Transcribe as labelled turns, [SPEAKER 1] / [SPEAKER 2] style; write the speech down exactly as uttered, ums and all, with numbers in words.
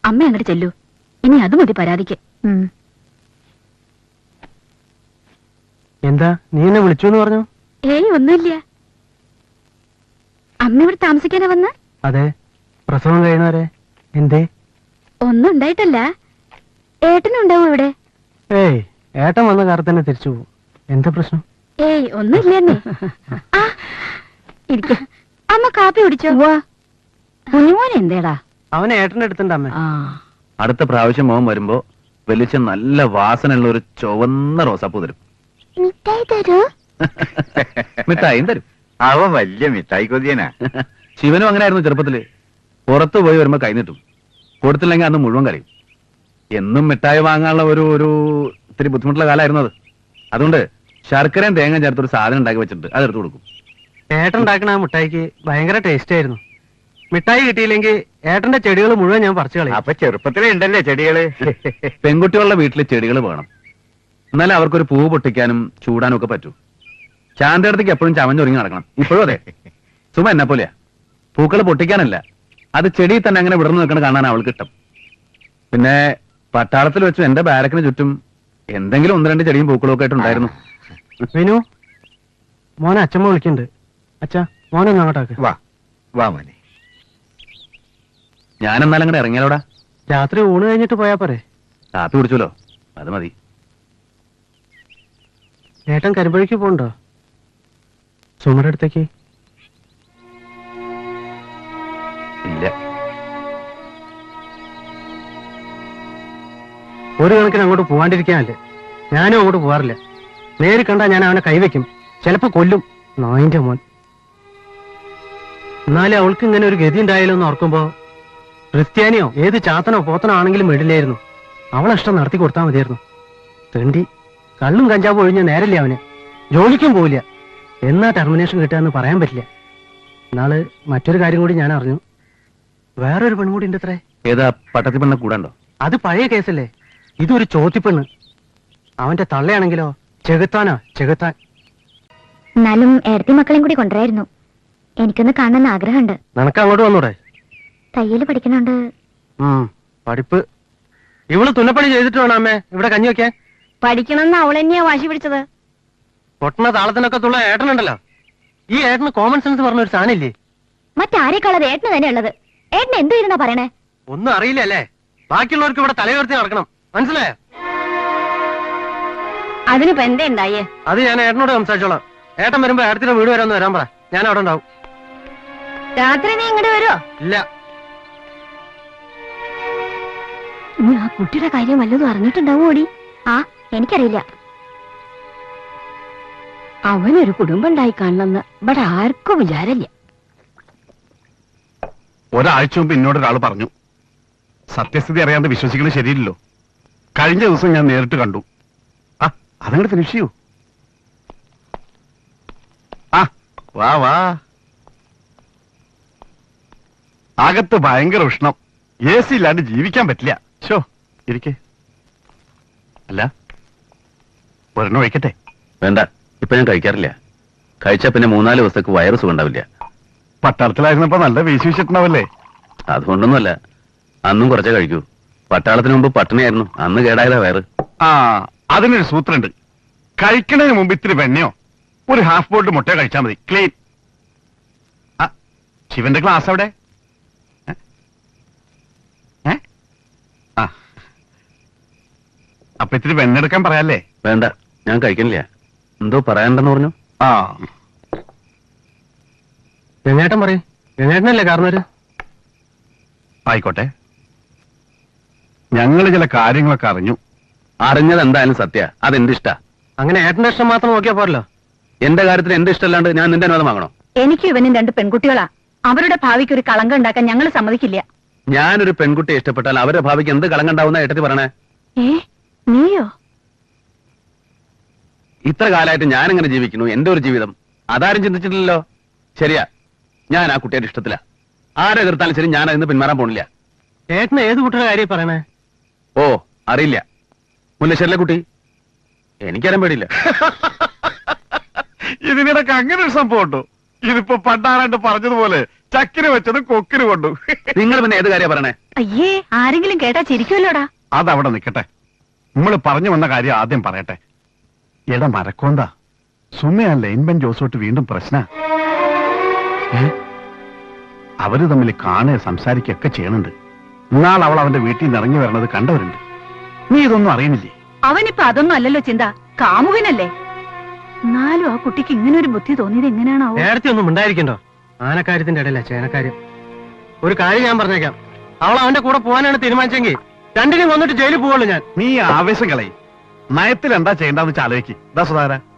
[SPEAKER 1] അമ്മ അങ്ങോട്ട് ചെല്ലൂ. ഇനി അത് മതി പരാതിക്ക്.
[SPEAKER 2] എന്താ നീ എന്നെ വിളിച്ചു എന്ന് പറഞ്ഞു?
[SPEAKER 1] ഏയ് ഒന്നുമില്ല. അമ്മ ഇവിടെ താമസിക്കാനാ വന്ന്?
[SPEAKER 2] അതെ, പ്രസവം കഴിയുന്നവരെ. എന്തേ?
[SPEAKER 1] ഒന്നും ഉണ്ടായിട്ടല്ല. ഏട്ടനും ഉണ്ടാവും ഇവിടെ.
[SPEAKER 2] ഏയ്, ഏട്ടൻ വന്ന കാർ തന്നെ തിരിച്ചു പോകും. എന്താ പ്രശ്നം?
[SPEAKER 1] ഏയ് ഒന്നുമില്ലെന്നേ. ഇരിക്ക. അമ്മ കാപ്പി കുടിച്ചോ? കുഞ്ഞുമോൻ എന്തേടാ?
[SPEAKER 2] അവനെ ഏട്ടന്റെ അടുത്തുണ്ട് അമ്മ.
[SPEAKER 3] അടുത്ത പ്രാവശ്യം മോൻ വരുമ്പോ വലിച്ച നല്ല വാസനയുള്ള ഒരു ചുവന്ന റോസാപ്പൂ തരും.
[SPEAKER 1] മിഠായി തരൂ?
[SPEAKER 3] മിഠായും തരും.
[SPEAKER 4] അവൻ വലിയ മിഠായി കൊതിയനാ.
[SPEAKER 3] ശിവനും അങ്ങനെയായിരുന്നു ചെറുപ്പത്തില്. പുറത്തു പോയി വരുമ്പോ കൈനീട്ടും, കൊടുത്തില്ലെങ്കിൽ അന്ന് മുഴുവൻ കരയും. എന്നും മിഠായി വാങ്ങാനുള്ള ഒരു ഒരു ഇത്തിരി ബുദ്ധിമുട്ടുള്ള കാലമായിരുന്നു അത്. അതുകൊണ്ട് ശർക്കരയും തേങ്ങ ചേർത്തൊരു സാധനം ഉണ്ടാക്കി വെച്ചിട്ടുണ്ട്, അതെടുത്ത് കൊടുക്കും.
[SPEAKER 2] ഏട്ടൻ ഉണ്ടാക്കണ ആ മിഠായിക്ക് ഭയങ്കര ടേസ്റ്റ് ആയിരുന്നു. മിഠായി കിട്ടിയില്ലെങ്കിൽ ഏട്ടന്റെ ചെടികൾ മുഴുവൻ ഞാൻ പറിച്ചു കളയും.
[SPEAKER 4] അപ്പൊ ചെറുപ്പത്തിലേ ഉണ്ടല്ലേ ചെടികള്.
[SPEAKER 3] പെൺകുട്ടികളുടെ വീട്ടിൽ ചെടികൾ വേണം, എന്നാലും അവർക്കൊരു പൂവ് പൊട്ടിക്കാനും ചൂടാനും ഒക്കെ പറ്റൂ. ചാന്തയിടത്തേക്ക് എപ്പോഴും ചമഞ്ഞൊരുങ്ങി നടക്കണം. ഇപ്പോഴും അതെ. സുമ എന്നെ പോലെയാ, പൂക്കൾ പൊട്ടിക്കാനല്ല, അത് ചെടിയിൽ തന്നെ അങ്ങനെ വിടർന്നു നിൽക്കണം കാണാൻ അവൾക്ക് ഇഷ്ടം. പിന്നെ പട്ടാളത്തിൽ വെച്ചു എന്റെ ബാരക്കിന് ചുറ്റും എന്തെങ്കിലും ഒന്ന് രണ്ട് ചെടിയും പൂക്കളും ഒക്കെ ആയിട്ടുണ്ടായിരുന്നു.
[SPEAKER 2] വിനു, മോനെ അച്ഛമ്മ വിളിക്കുന്നുണ്ട്. അച്ഛാ, മോനൊന്നും അങ്ങോട്ടാക്ക്.
[SPEAKER 4] വാ വാ മോനെ.
[SPEAKER 3] ഞാൻ എന്നാലും അങ്ങനെ ഇറങ്ങിയാലോടാ.
[SPEAKER 2] രാത്രി ഊണ് കഴിഞ്ഞിട്ട് പോയാ പോരെ?
[SPEAKER 3] കാപ്പി കുടിച്ചല്ലോ, അത് മതി.
[SPEAKER 2] ഏട്ടൻ കരിമ്പഴിക്ക് പോണ്ടോ? സുമയുടെ അടുത്തേക്ക്?
[SPEAKER 3] ഇല്ല.
[SPEAKER 2] ഒരു കണക്കിന് അങ്ങോട്ട് പോവാണ്ടിരിക്കാനല്ലേ. ഞാനും അങ്ങോട്ട് പോവാറില്ല. നേരി കണ്ടാ ഞാൻ അവനെ കൈവയ്ക്കും, ചിലപ്പോ കൊല്ലും. നായിന്റെ മോൻ. എന്നാലും അവൾക്ക് ഇങ്ങനെ ഒരു ഗതി ഉണ്ടായാലോ എന്ന് ഓർക്കുമ്പോ ക്രിസ്ത്യാനിയോ ഏത് ചാത്തനോ പോത്തനോ ആണെങ്കിലും വിടില്ലായിരുന്നു. അവളെ ഇഷ്ടം നടത്തി കൊടുത്താൽ മതിയായിരുന്നു. തെണ്ടി കള്ളും കഞ്ചാവും ഒഴിഞ്ഞ നേരല്ലേ അവന്. ജോലിക്കും പോവില്ല. എന്നാ ടെർമിനേഷൻ കിട്ടുകയെന്ന് പറയാൻ പറ്റില്ല. എന്നാള് മറ്റൊരു കാര്യം കൂടി ഞാൻ അറിഞ്ഞു. വേറൊരു പെൺകൂടി ഉണ്ട് അത്രേ.
[SPEAKER 3] ഏതാ? പട്ടത്തി പെണ്ണ കൂടാണ്ടോ?
[SPEAKER 2] അത് പഴയ കേസല്ലേ. ഇതൊരു ചോത്തിപ്പെണ്ണ്. അവന്റെ തള്ളയാണെങ്കിലോ ചെകുത്താനാ, ചെകുത്താൻ.
[SPEAKER 1] എന്നാലും ഏടത്തി മക്കളെയും കൂടി കൊണ്ടുവരായിരുന്നു. എനിക്കൊന്ന് കാണാൻ ആഗ്രഹമുണ്ട്.
[SPEAKER 2] നിനക്ക് അങ്ങോട്ട് വന്നൂടെ?
[SPEAKER 1] തയ്യല് പഠിക്കണുണ്ട്.
[SPEAKER 2] പഠിപ്പ് ഇവള് തുന്നപ്പണി ചെയ്തിട്ട് വേണം അമ്മേ ഇവിടെ കഞ്ഞി വെക്കാൻ.
[SPEAKER 1] പഠിക്കണമെന്ന് അവൾ തന്നെയാ വാശി പിടിച്ചത്.
[SPEAKER 2] പൊട്ടണ താളത്തിനൊക്കെ തുള്ള ഏട്ടനുണ്ടല്ലോ. ഈ ഏട്ടന് കോമൺ സെൻസ് പറഞ്ഞൊരു സാധനമില്ലേ?
[SPEAKER 1] മറ്റാരെക്കാളത് ഏട്ടന് തന്നെ ഉള്ളത്. ഏട്ടന് എന്തു ഇരുന്നാ പറയണേ?
[SPEAKER 2] ഒന്നും അറിയില്ല അല്ലേ? ബാക്കിയുള്ളവർക്ക് ഇവിടെ തലയുയർത്തി നടക്കണം, മനസ്സിലായോ?
[SPEAKER 1] അതിനിപ്പോ എന്തേ ഉണ്ടായേ?
[SPEAKER 2] അത് ഞാൻ ഏട്ടനോട് സംസാരിച്ചോളാം. ഏട്ടൻ വരുമ്പോ ഏട്ടത്തിന്റെ വീട് വരെ ഒന്ന് വരാൻ പറ. ഞാൻ അവിടെ ഉണ്ടാവും.
[SPEAKER 1] രാത്രി നീ ഇങ്ങോട്ട് വരുമോ?
[SPEAKER 2] ഇല്ല.
[SPEAKER 1] നീ ആ കുട്ടിയുടെ കാര്യം വല്ലതും അറിഞ്ഞിട്ടുണ്ടാവോ? ഓടി. ആ, എനിക്കറിയില്ല. അവനൊരു കുടുംബം ഉണ്ടായി കാണണമെന്ന് ഇവിടെ ആർക്കും വിചാരമില്ല.
[SPEAKER 5] ഒരാഴ്ച മുമ്പ് എന്നോടൊരാൾ പറഞ്ഞു. സത്യസ്ഥിതി അറിയാതെ വിശ്വസിക്കുന്നത് ശരിയില്ലല്ലോ. കഴിഞ്ഞ ദിവസം ഞാൻ നേരിട്ട് കണ്ടു. ആ അതങ്ങോട്ട് ഫിനിഷ് ചെയ്യൂ. ആ വാ വാ. അകത്ത് ഭയങ്കര ഉഷ്ണം. എ സി ഇല്ലാണ്ട് ജീവിക്കാൻ പറ്റില്ല. ഷോ ഇരിക്കേ. അല്ല ഒരെണ്ണം ഒഴിക്കട്ടെ?
[SPEAKER 3] വേണ്ട, ഇപ്പൊ ഞാൻ കഴിക്കാറില്ല. കഴിച്ചാ പിന്നെ മൂന്നാല് ദിവസത്തേക്ക് വയറ് സുഖം ഉണ്ടാവില്ല.
[SPEAKER 5] പട്ടാളത്തിലായിരുന്നപ്പോ നല്ല വീശി വെച്ചിട്ടുണ്ടാവല്ലേ?
[SPEAKER 3] അതുകൊണ്ടൊന്നുമല്ല, അന്നും കുറച്ചേ കഴിക്കൂ. പട്ടാളത്തിന് മുമ്പ് പട്ടിണിയായിരുന്നു, അന്ന് കേടായതാ വയറ്.
[SPEAKER 5] ആ അതിനൊരു സൂത്രമുണ്ട്. കഴിക്കുന്നതിന് മുമ്പ് ഇത്തിരി വെണ്ണയോ ഒരു ഹാഫ് ബോൾഡ് മുട്ട കഴിച്ചാൽ മതി, ക്ലീൻ. ആ ശിവന്റെ ക്ലാസ് അവിടെ? ഏ ആ അപ്പൊ ഇത്തിരി വെണ്ണ എടുക്കാൻ പറയാല്ലേ?
[SPEAKER 3] വേണ്ട, ഞാൻ കഴിക്കണില്ല. എന്തോ പറയാനുണ്ടെന്ന് പറഞ്ഞു.
[SPEAKER 5] ആ
[SPEAKER 2] ഗംഗേട്ടൻ പറയും. ഗംഗേട്ടനല്ലേ കാരണവര്?
[SPEAKER 5] ആയിക്കോട്ടെ. ഞങ്ങള് ചില കാര്യങ്ങളൊക്കെ അറിഞ്ഞു.
[SPEAKER 3] അറിഞ്ഞത് എന്തായാലും സത്യ. അതെന്റെ ഇഷ്ടാ.
[SPEAKER 2] അങ്ങനെ ഏട്ടന്റെ ഇഷ്ടം മാത്രം നോക്കിയാ പോരല്ലോ.
[SPEAKER 3] എന്റെ കാര്യത്തിൽ എന്റെ ഇഷ്ടമല്ലാണ്ട് ഞാൻ നിന്റെ അനുവാദം വാങ്ങണോ?
[SPEAKER 1] എനിക്ക് ഇവനും രണ്ട് പെൺകുട്ടികളാ. അവരുടെ ഭാവിക്ക് ഒരു കളങ്കം ഉണ്ടാക്കാൻ ഞങ്ങൾ സമ്മതിക്കില്ല.
[SPEAKER 3] ഞാനൊരു പെൺകുട്ടിയെ ഇഷ്ടപ്പെട്ടാൽ അവരുടെ ഭാവിക്ക് എന്ത് കളങ്കം ഉണ്ടാവുന്ന ഏട്ടത്തി പറയണേ?
[SPEAKER 1] ഏ നീയോ?
[SPEAKER 3] ഇത്ര കാലമായിട്ട് ഞാൻ എങ്ങനെ ജീവിക്കുന്നു, എന്റെ ഒരു ജീവിതം അതാരും ചിന്തിച്ചിട്ടില്ലല്ലോ. ശരിയാ, ഞാൻ ആ കുട്ടിയുടെ ഇഷ്ടത്തിലാ. ആരെ എതിർത്താലും ശരി, ഞാൻ അതിന് പിന്മാറാൻ പോണില്ല.
[SPEAKER 2] ഏട്ടന് ഏത് കുട്ടിയുടെ കാര്യം പറയണേ?
[SPEAKER 3] ഓ അറിയില്ല, മുല്ലശ്ശേരിലെ കുട്ടി. എനിക്കറിയാൻ പേടിയില്ല.
[SPEAKER 5] ഇതിനിടക്ക് അങ്ങനെ ഒരു സംഭവം ഉണ്ടോ? ഇതിപ്പോ പണ്ടാരാണ്ട് പറഞ്ഞതുപോലെ ചക്കിന് വെച്ചത് കൊക്കിന് കൊണ്ടു.
[SPEAKER 3] നിങ്ങൾ പിന്നെ ഏത് കാര്യം പറയണേ?
[SPEAKER 1] അയ്യേ ആരെങ്കിലും കേട്ടാ ചിരിക്കുമല്ലോടാ.
[SPEAKER 5] അതവിടെ നിൽക്കട്ടെ. നമ്മൾ പറഞ്ഞു വന്ന കാര്യം ആദ്യം പറയട്ടെ. എടാ മരക്കോന്താ, സുമയാ ലൈൻബൻ ജോസോട്ട് വീണ്ടും പ്രശ്ന. അവര് തമ്മിൽ കാണുക സംസാരിക്കുകയൊക്കെ ചെയ്യണുണ്ട്. ഇന്നാൾ അവൾ അവന്റെ വീട്ടിൽ നിന്ന് ഇറങ്ങി വരണത് കണ്ടവരുണ്ട്. നീ ഇതൊന്നും അറിയുന്നില്ലേ?
[SPEAKER 1] അവനിപ്പോ അതൊന്നും അല്ലല്ലോ ചിന്ത, കാമുകനല്ലേ. എന്നാലും ആ കുട്ടിക്ക് ഇങ്ങനെ ഒരു ബുദ്ധി തോന്നിയത് എങ്ങനെയാണാവോ?
[SPEAKER 2] നേരത്തെ ഒന്നും ഉണ്ടായിരിക്കണ്ടോ? ആനക്കാര്യത്തിന്റെ ഇടയില ചേനക്കാര്യം. ഒരു കാര്യം ഞാൻ പറഞ്ഞേക്കാം, അവൾ അവന്റെ കൂടെ പോകാനാണ് തീരുമാനിച്ചെങ്കിൽ രണ്ടിനും വന്നിട്ട് ജയിലിൽ പോവുള്ളൂ ഞാൻ.
[SPEAKER 5] നീ ആവേശം കളയി. നയത്തിൽ എന്താ ചെയ്യേണ്ടെന്ന് വെച്ചാൽ ആലോചിക്ക്. ദാ സുധാര,